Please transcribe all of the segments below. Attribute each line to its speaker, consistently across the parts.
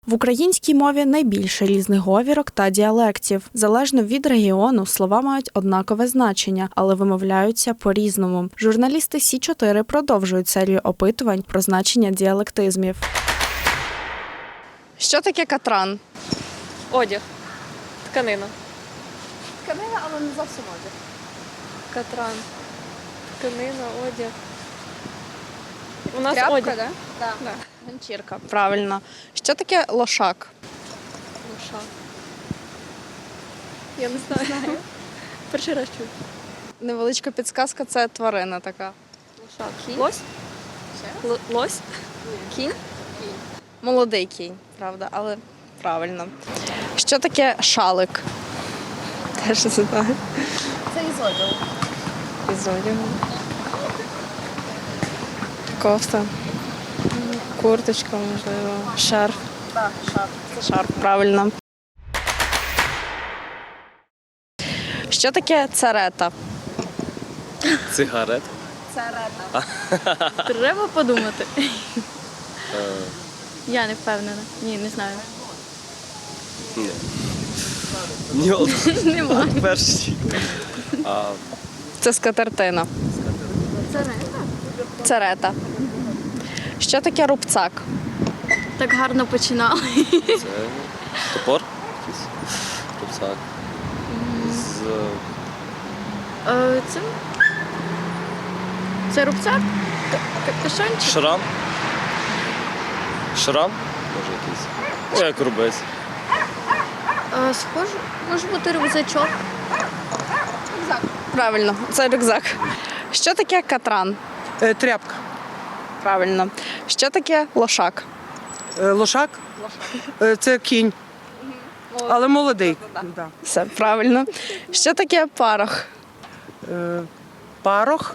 Speaker 1: В українській мові найбільше різних говірок та діалектів. Залежно від регіону, слова мають однакове значення, але вимовляються по-різному. Журналісти Сі-4 продовжують серію опитувань про значення діалектизмів. Що таке катран?
Speaker 2: Одяг. Тканина.
Speaker 1: Тканина, але не зовсім одяг.
Speaker 2: Катран. Тканина, одяг. У нас
Speaker 1: Тряпка,
Speaker 2: одяг.
Speaker 1: да? Да. Ганчірка. Правильно. Що таке лошак?
Speaker 2: Лоша. Я не знаю. Перший раз чую.
Speaker 1: Невеличка підсказка – це тварина така.
Speaker 2: Лоша. Лось? Лось? Кінь?
Speaker 1: Молодий кінь, правда, але правильно. Що таке шалик? Теж не знаю. Це із одягу. Із одягу. Кофта. Курточка, можливо. Шарф. Так, шарф. Це шарф, правильно. Що таке царета?
Speaker 3: Цигарет.
Speaker 1: Царета.
Speaker 2: Треба подумати. Я не впевнена. Ні, не знаю.
Speaker 3: Ні,
Speaker 2: Немає.
Speaker 3: перший.
Speaker 1: Це скатертина.
Speaker 2: Царета.
Speaker 1: Царета. Що таке рубцак?
Speaker 2: Так гарно починали.
Speaker 3: Це топор. Якийсь. Рюкзак.
Speaker 2: Це рюкзак? Капюшончик?
Speaker 3: Шрам. Шрам? Може якийсь. Ну, як рубець.
Speaker 2: Схоже, може бути рюкзачок.
Speaker 1: Правильно, це рюкзак. Що таке катран?
Speaker 4: Тряпка.
Speaker 1: Правильно. Що таке лошак?
Speaker 4: Лошак? Це кінь. Але молодий. Да.
Speaker 1: Все правильно. Що таке парох?
Speaker 4: Парох.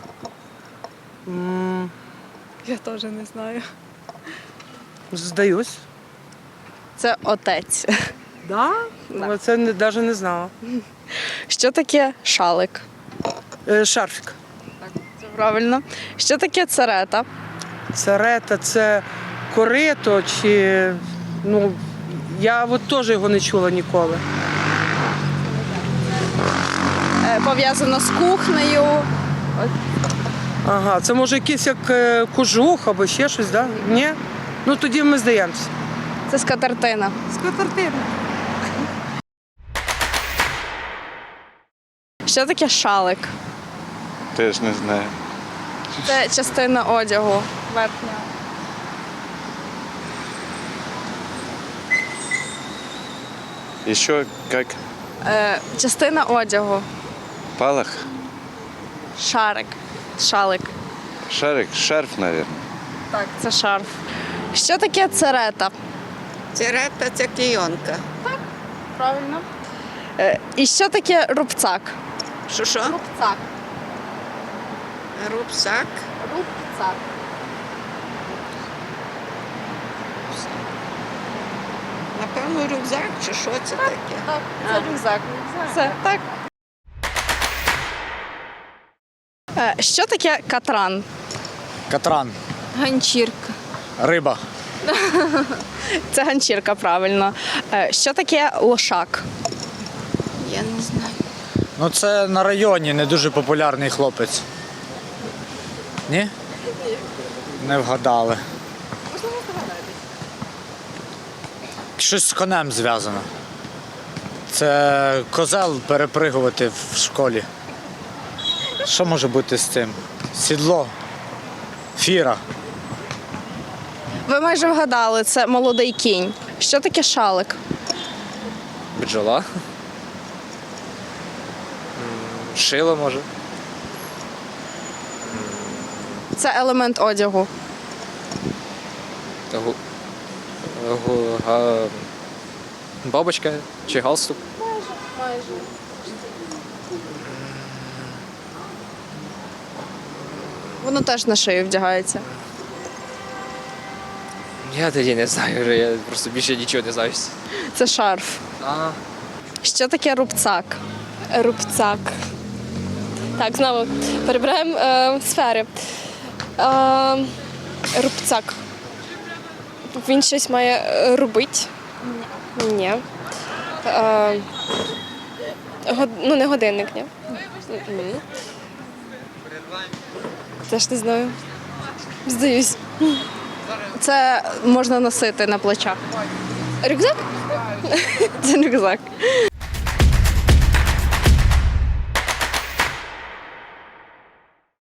Speaker 2: Я теж не знаю.
Speaker 4: Здаюсь.
Speaker 1: Це отець.
Speaker 4: Да?
Speaker 1: Да.
Speaker 4: Це навіть не знала.
Speaker 1: Що таке шалик?
Speaker 4: Шарфік.
Speaker 1: Це правильно. Що таке царета?
Speaker 4: Царета це корито чи. Ну, я от теж його не чула ніколи.
Speaker 1: Пов'язано з кухнею.
Speaker 4: Ага, це може якийсь як кожух або ще щось, так? Да? Ні? Ну тоді ми здаємося.
Speaker 1: Це скатертина.
Speaker 4: Скатертина.
Speaker 1: Що таке шалик?
Speaker 5: Теж не знаю.
Speaker 1: Це частина одягу. Верхня.
Speaker 5: Еще как
Speaker 1: Частина одягу.
Speaker 5: палах,
Speaker 1: Шарик. Шалик.
Speaker 5: шарик, шарф, наверное.
Speaker 1: Так, це шарф. Що таке царета?
Speaker 6: Церета – це клейонка.
Speaker 1: Правильно. І що таке рубцак?
Speaker 6: Що?
Speaker 1: Рубцак.
Speaker 6: Рюкзак.
Speaker 1: Рубцак.
Speaker 6: Напевно, рюкзак чи що це таке?
Speaker 1: Так, це рюкзак. Все, так. Що таке катран?
Speaker 7: Катран.
Speaker 2: Ганчірка.
Speaker 7: Риба.
Speaker 1: Це ганчірка, правильно. Що таке лошак?
Speaker 2: Я не знаю.
Speaker 7: Ну це на районі не дуже популярний хлопець. Ні? Не вгадали. Щось з конем зв'язано. Це козел перепригувати в школі. Що може бути з цим? Сідло. Фіра.
Speaker 1: Ви майже вгадали, це молодий кінь. Що таке шалик?
Speaker 3: Бджола. Шило, може.
Speaker 1: Це елемент одягу.
Speaker 3: Бабочка чи галстук.
Speaker 1: Воно теж на шию вдягається.
Speaker 3: Я тоді не знаю, вже я просто більше нічого не знаю.
Speaker 1: Це шарф. Що таке рубцак?
Speaker 2: Рубцак. Так, знову перебираємо сфери. Рубцак. Він щось має робити. Ні. Ну, не годинник, ні. Теж не знаю. Здаюсь.
Speaker 1: Це можна носити на плечах.
Speaker 2: Рюкзак?
Speaker 1: Це рюкзак.